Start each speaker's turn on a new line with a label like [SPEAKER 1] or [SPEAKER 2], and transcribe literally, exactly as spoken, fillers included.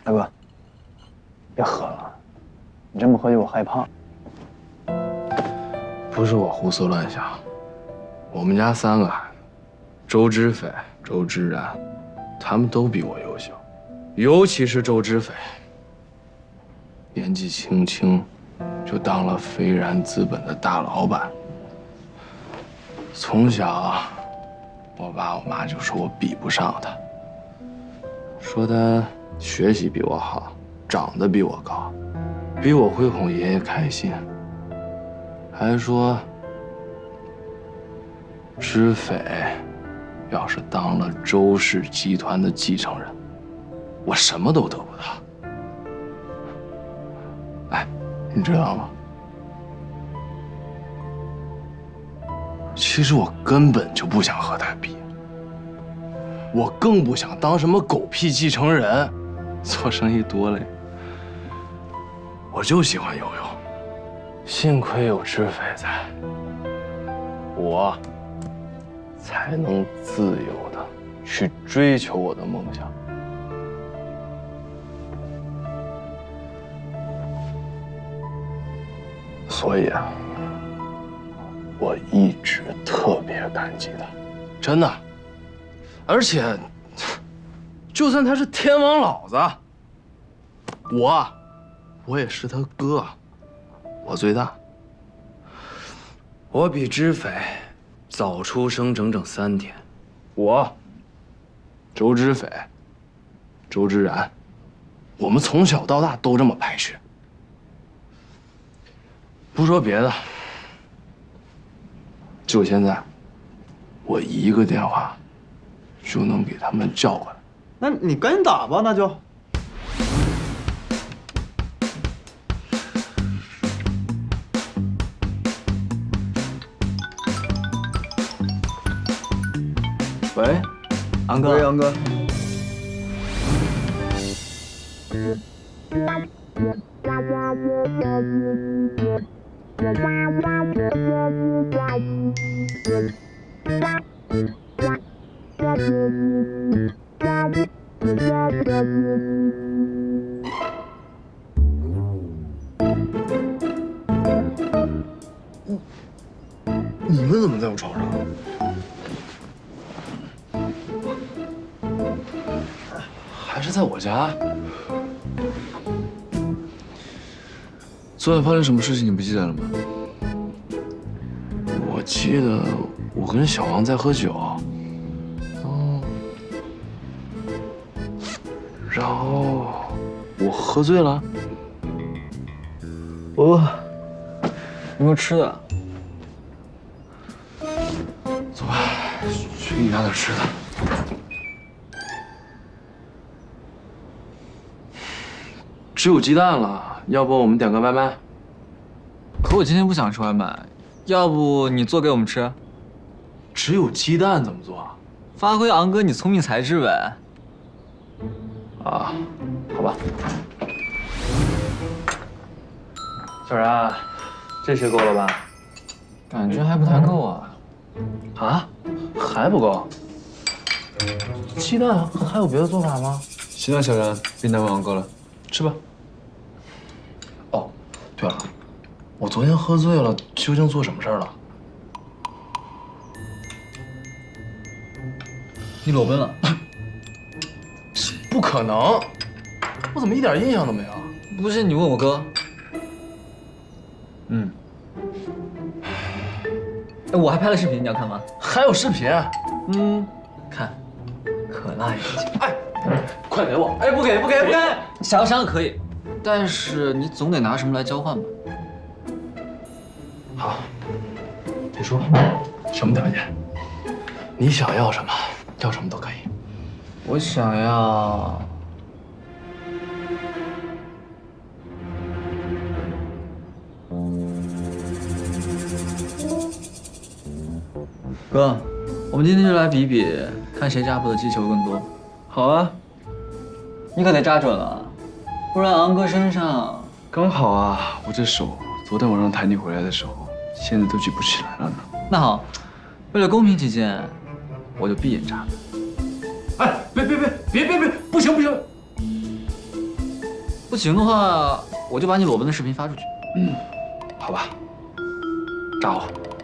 [SPEAKER 1] 大哥，别喝了，你这么喝酒我害怕。
[SPEAKER 2] 不是我胡思乱想，我们家三个孩子，周知斐、周知然，他们都比我优秀，尤其是周知斐，年纪轻轻就当了飞然资本的大老板。从小，我爸我妈就说我比不上他，说他学习比我好，长得比我高，比我会哄爷爷开心，还说知斐要是当了周氏集团的继承人，我什么都得不到。哎，你知道吗？其实我根本就不想和他比，我更不想当什么狗屁继承人，做生意多累。我就喜欢游泳，幸亏有知斐在，我才能自由的去追求我的梦想。所以啊，我一直特别感激他，真的。而且，就算他是天王老子，我，我也是他哥，我最大。我比知斐早出生整整三天，我，周知斐，周知然，我们从小到大都这么排序。不说别的，就现在，我一个电话就能给他们叫过来。
[SPEAKER 1] 那你赶紧打吧，那就。
[SPEAKER 2] 喂，安哥。
[SPEAKER 1] 喂，杨哥。
[SPEAKER 2] 你们怎么在我床上？还是在我家？
[SPEAKER 3] 昨晚发生什么事情你不记得了吗？
[SPEAKER 2] 我记得我跟小王在喝酒，哦，然后我喝醉了。
[SPEAKER 1] 我有没有吃的？
[SPEAKER 2] 走吧，去给你拿点吃的。只有鸡蛋了，要不我们点个外卖？
[SPEAKER 3] 可我今天不想吃外卖，要不你做给我们吃？
[SPEAKER 2] 只有鸡蛋怎么做？
[SPEAKER 3] 发挥昂哥你聪明才智呗。
[SPEAKER 2] 啊，好吧。
[SPEAKER 1] 小然，这些够了吧？
[SPEAKER 3] 感觉还不太够啊。
[SPEAKER 2] 啊，还不够？鸡蛋还有别的做法吗？
[SPEAKER 3] 行了，小然，别难为昂哥了，吃吧。
[SPEAKER 2] 哦，对了，我昨天喝醉了，究竟做什么事儿了？
[SPEAKER 3] 你裸奔了？
[SPEAKER 2] 不可能！我怎么一点印象都没有？
[SPEAKER 3] 不是你问我哥？嗯。哎，我还拍了视频，你要看吗？
[SPEAKER 2] 还有视频？
[SPEAKER 3] 嗯，看，可辣眼睛。
[SPEAKER 2] 哎，快给我！
[SPEAKER 3] 哎，不给不给不给！想要删了可以，但是你总得拿什么来交换吧？
[SPEAKER 2] 好，你说什么条件？你想要什么，要什么都可以。
[SPEAKER 3] 我想要。哥，我们今天就来比比，看谁扎破的击球更多。
[SPEAKER 1] 好啊，
[SPEAKER 3] 你可得扎准了，不然昂哥身上
[SPEAKER 4] 刚好啊，我这手昨天晚上抬你回来的时候，现在都举不起来了呢。
[SPEAKER 3] 那好，为了公平起见，我就闭眼扎。
[SPEAKER 2] 哎，别别别别别别，不行不行！
[SPEAKER 3] 不行的话，我就把你裸奔的视频发出去。
[SPEAKER 4] 嗯，好吧，炸我。